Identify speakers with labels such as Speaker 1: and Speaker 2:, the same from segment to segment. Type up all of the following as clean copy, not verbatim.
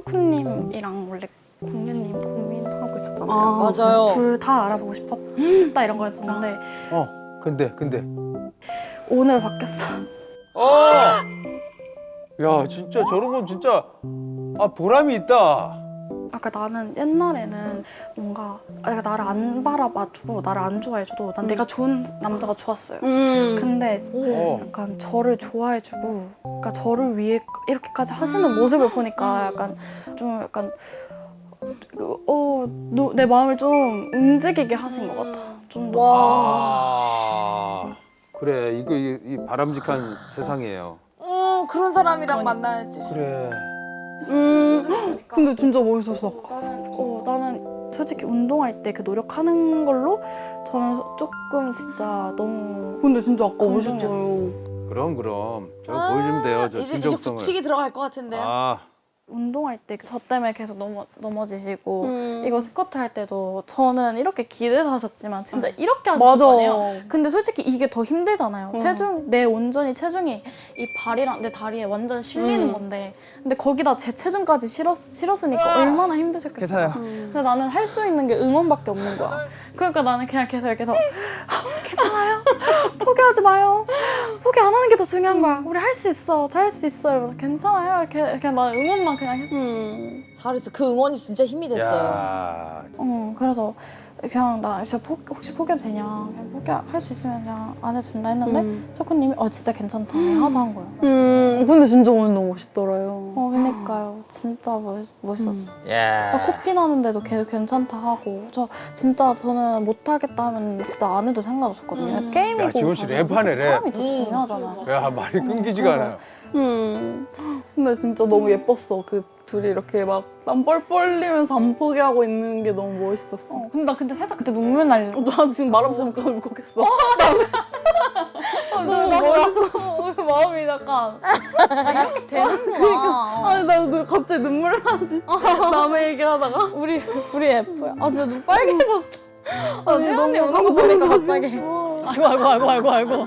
Speaker 1: 석훈님이랑 원래 공유님 고민하고 있었잖아요.
Speaker 2: 맞아요.
Speaker 1: 둘 다 알아보고 싶다 이런 거였었는데
Speaker 3: 근데.
Speaker 1: 오늘 바뀌었어.
Speaker 3: 야, 진짜 저런 건 진짜 보람이 있다.
Speaker 1: 아까 나는 옛날에는 뭔가 나를 안 바라봐주고 나를 안 좋아해줘도 난 내가 좋은 남자가 좋았어요. 근데 약간 저를 좋아해주고 그러니까 저를 위해 이렇게까지 하시는 모습을 보니까 약간 내 마음을 좀 움직이게 하신 것 같아. 좀 더.
Speaker 3: 그래, 이 바람직한 세상이에요.
Speaker 2: 그런 사람이랑 만나야지.
Speaker 3: 그래.
Speaker 1: 근데 진짜 멋있었어. 나는 솔직히 운동할 때 그 노력하는 걸로 저는 조금 진짜 너무. 근데 진짜 아까 멋있어요.
Speaker 3: 그럼. 저거 보여주면 돼요, 저
Speaker 2: 이제
Speaker 3: 진정성을.
Speaker 2: 붙이기 들어갈 것 같은데.
Speaker 1: 운동할 때 저 때문에 계속 넘어지시고 이거 스쿼트 할 때도 저는 이렇게 기대서 하셨지만 진짜 이렇게 하셨을 거 아니에요. 근데 솔직히 이게 더 힘들잖아요. 내 온전히 체중이 이 발이랑 내 다리에 완전 실리는 건데 근데 거기다 제 체중까지 실었으니까 얼마나 힘드셨겠어요. 근데 나는 할 수 있는 게 응원밖에 없는 거야. 그러니까 나는 그냥 계속 괜찮아요. 포기하지 마요. 포기 안 하는 게 더 중요한 거야. 우리 할 수 있어. 잘할 수 있어. 이러면서 괜찮아요. 이렇게 그냥 나 응원만 그냥 했어.
Speaker 2: 잘했어. 그 응원이 진짜 힘이 됐어요.
Speaker 3: 야,
Speaker 1: 그래서 그냥 나 진짜 혹시 포기해도 되냐. 그냥 포기할 수 있으면 그냥 안 해도 된다 했는데 석훈님이 진짜 괜찮다. 하자 한 거예요.
Speaker 4: 근데 진짜 오늘 너무 멋있더라요.
Speaker 1: 그니까요. 진짜 멋있었어.
Speaker 3: 야.
Speaker 1: 코피 나는데도 계속 괜찮다 하고 저는 못하겠다 하면 진짜 안 해도 상관없었거든요. 게임이고
Speaker 3: 야, 지원 씨
Speaker 1: 사실
Speaker 3: 랩하네,
Speaker 1: 솔직히
Speaker 3: 랩.
Speaker 1: 사람이 더 중요하잖아요.
Speaker 3: 야, 말이 끊기지가 않아요.
Speaker 4: 근데 진짜 너무 예뻤어. 그 둘이 이렇게 막 땀 뻘뻘 흘리면서 안 포기하고 있는 게 너무 멋있었어.
Speaker 1: 근데 나 근데 그때 눈물 날.
Speaker 4: 나 지금 말하면서 잠깐 울컥했어.
Speaker 1: 나도 마음이 약간 이렇게 되는구나.
Speaker 4: 아니 나 갑자기 눈물 나지. 남의 얘기하다가.
Speaker 1: 우리 F야. 진짜 눈 빨개졌어. 태연이
Speaker 4: 너무
Speaker 1: 오는 거 보니까 갑자기.
Speaker 4: 감동적이었어.
Speaker 1: 아이고.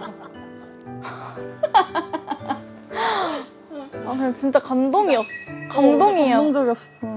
Speaker 1: 그냥 진짜 감동이었어. 감동이에요.
Speaker 4: 감동적이었어.